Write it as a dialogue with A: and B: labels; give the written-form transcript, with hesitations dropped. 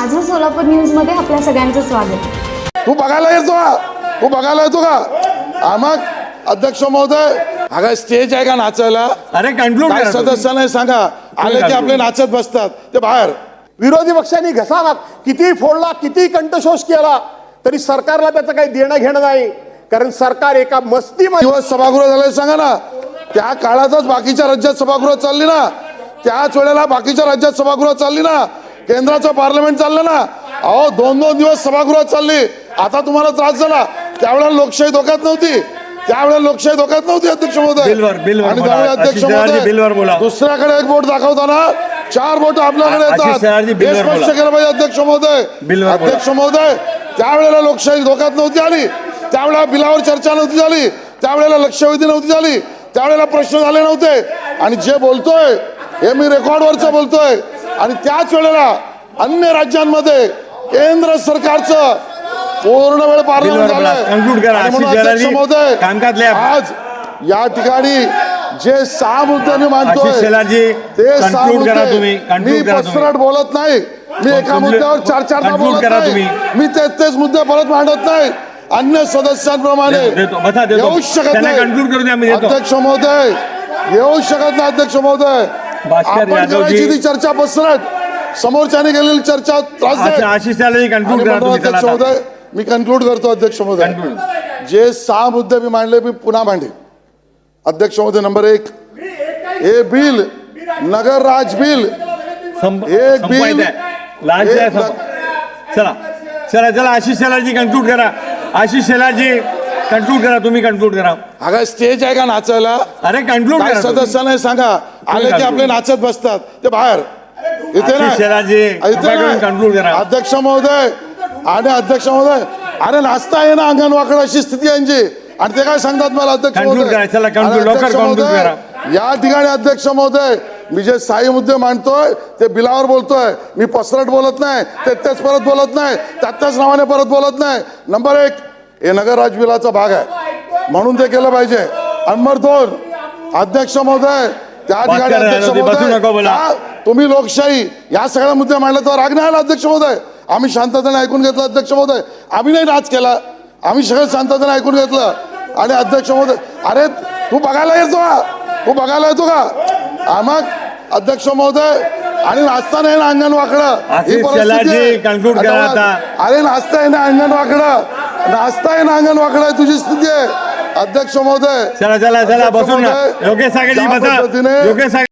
A: माझं सोलापूर न्यूज मध्ये आपल्या सगळ्यांचं स्वागत।
B: तू बघायला येतो का? तू बघायला येतो का? मग अध्यक्ष महोदय, अगं स्टेज आहे का नाचायला?
C: अरे कंक्लूड
B: काय सदस्यांना सांगा, आले की आपले नाचत बसतात ते बाहेर।
D: विरोधी पक्षांनी घसा किती फोडला, किती कंठशोष केला तरी सरकारला त्याचं काही देणं घेणं नाही, कारण सरकार एका मस्तीमध्ये
B: दिवस सभागृह झाले सांगा ना। त्या काळातच बाकीच्या राज्यात सभागृह चालली ना, त्याच वेळेला बाकीच्या राज्यात सभागृह चालली ना, केंद्राचं पार्लमेंट चाललं ना। अहो 2-2 दिवस सभागृहात चालली। आता तुम्हाला त्रास झाला, त्यावेळेला लोकशाही धोक्यात नव्हती, त्यावेळेला लोकशाही धोक्यात नव्हती अध्यक्ष महोदय। आणि त्यावेळी अध्यक्ष महोदय दुसऱ्याकडे एक बोट दाखवताना 4 बोट आपल्याकडे येतात, हे स्पष्ट केलं पाहिजे अध्यक्ष महोदय। अध्यक्ष महोदय, त्यावेळेला लोकशाही धोक्यात नव्हती आली, त्यावेळेला बिलावर चर्चा नव्हती झाली, त्यावेळेला लक्षवेधी नव्हती झाली, त्यावेळेला प्रश्न झाले नव्हते। आणि जे बोलतोय हे मी रेकॉर्डवरचं बोलतोय। आणि त्याच वेळेला अन्य राज्यांमध्ये केंद्र सरकारचं पूर्ण वेळ पार्लमेंट झालंय। आज या ठिकाणी जे 6 मुद्दे मी मांडतोय ते 6 मुद्दे मी पसरट बोलत नाही, मी एका मुद्द्यावर 4-4दा बोलत नाही, मी तेच मुद्दे परत मांडत नाही, अन्य सदस्यांप्रमाणे येऊ शकत नाही अध्यक्ष महोदय, येऊ शकत नाही अध्यक्ष महोदय। आपण करायची ती चर्चा पसरट, समोरच्याने गेलेली चर्चा त्रास अध्यक्ष महोदय, मी कन्क्लूड करतो अध्यक्ष महोदय। जे 6 मुद्दे मी मांडले मी पुन्हा मांडे अध्यक्ष महोदय। नंबर 1, हे बिल नगर राज बिल, एक बिल
C: चला चला चला आशिष शेलारजी कंक्लूड करा, आशिष शेलारजी कंक्लूड करा, तुम्ही कंक्लूड करा।
B: अगं स्टेज आहे का नाचायला?
C: अरे कंक्लूड करा,
B: सदस्यांना सांगा, आले की आपले नाचत बसतात ते बाहेर, इथे
C: कंक्लूड करा
B: अध्यक्ष महोदय। आणि अध्यक्ष महोदय, अरे नाचता ये ना अंगण वाकड, अशी स्थिती यांची, आणि ते काय सांगतात मला अध्यक्ष महोदय। या ठिकाणी अध्यक्ष महोदय, मी जे 6 मुद्दे मांडतोय ते बिलावर बोलतोय, मी पसरट बोलत नाही, तेच परत बोलत नाही, त्याच नावाने परत बोलत नाही। नंबर 1, हे नगर राज बिलाचा भाग आहे म्हणून ते केलं पाहिजे। नंबर 2, अध्यक्ष महोदय, त्या ठिकाणी अध्यक्ष महोदय तुम्ही लोकशाही या सगळ्या मुद्दे मांडले तर राग नाही आला अध्यक्ष महोदय, आम्ही शांततेने ऐकून घेतलं अध्यक्ष महोदय, आम्ही नाही नाच केला, आम्ही सगळं शांततेने ऐकून घेतलं। आणि अध्यक्ष महोदय, अरे तू बघायला येतो का? तू बघायला येतो का? मग अध्यक्ष महोदय, आणि नाचता नाही ना अंगण वाकडं, अरे नाचता ना अंगण वाकडं, नाचता ना अंगण वाकडं तुझी स्थिती आहे अध्यक्ष महोदय।
C: चला चला चला बसून योगेश सागरजी बसा, योगेश